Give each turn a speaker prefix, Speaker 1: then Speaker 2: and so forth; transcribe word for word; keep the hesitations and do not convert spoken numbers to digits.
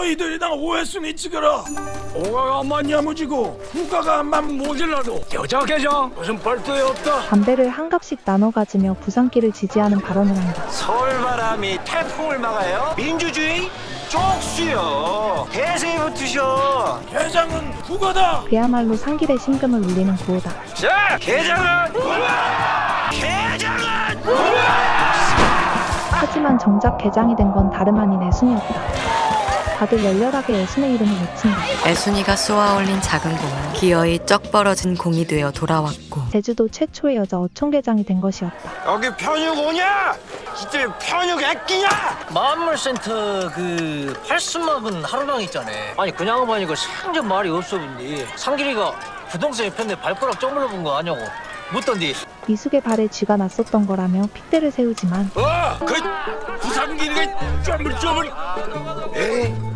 Speaker 1: 너희들이 나 오해순이 찍어라. 오가가 엄마 야무지고 후가가 암만 모질라도 여자 계정 무슨 벌도에 없다.
Speaker 2: 담배를 한 갑씩 나눠 가지며 부산길을 지지하는 발언을 한다.
Speaker 3: 서울바람이 태풍을 막아요? 민주주의? 쪽수요. 대세에 붙으셔.
Speaker 1: 계장은 후가다.
Speaker 2: 그야말로 상길의 심금을 울리는 구호다.
Speaker 3: 자, 개장은 개장은
Speaker 2: 하지만 정작 개장이 된 건 다름 아닌 애순이었다. 다들 열렬하게 애순의 이름을 외친다.
Speaker 4: 애순이가 쏘아올린 작은 공은 기어이 쩍 벌어진 공이 되어 돌아왔고
Speaker 2: 제주도 최초의 여자 어촌개장이 된 것이었다.
Speaker 3: 여기 편육 오냐? 이들 편육 애끼냐?
Speaker 5: 만물센터 그 팔순막은 하루방 있잖아. 아니 그냥 보니까 상전 말이 없어 본디. 상길이가 부동산에 편에 발가락 쪼물러 본 거 아냐고 묻던디.
Speaker 2: 미숙의 발에 쥐가 났었던 거라며 핏대를 세우지만
Speaker 1: 어, 그 부산길이 쪼물쪼물. 에이.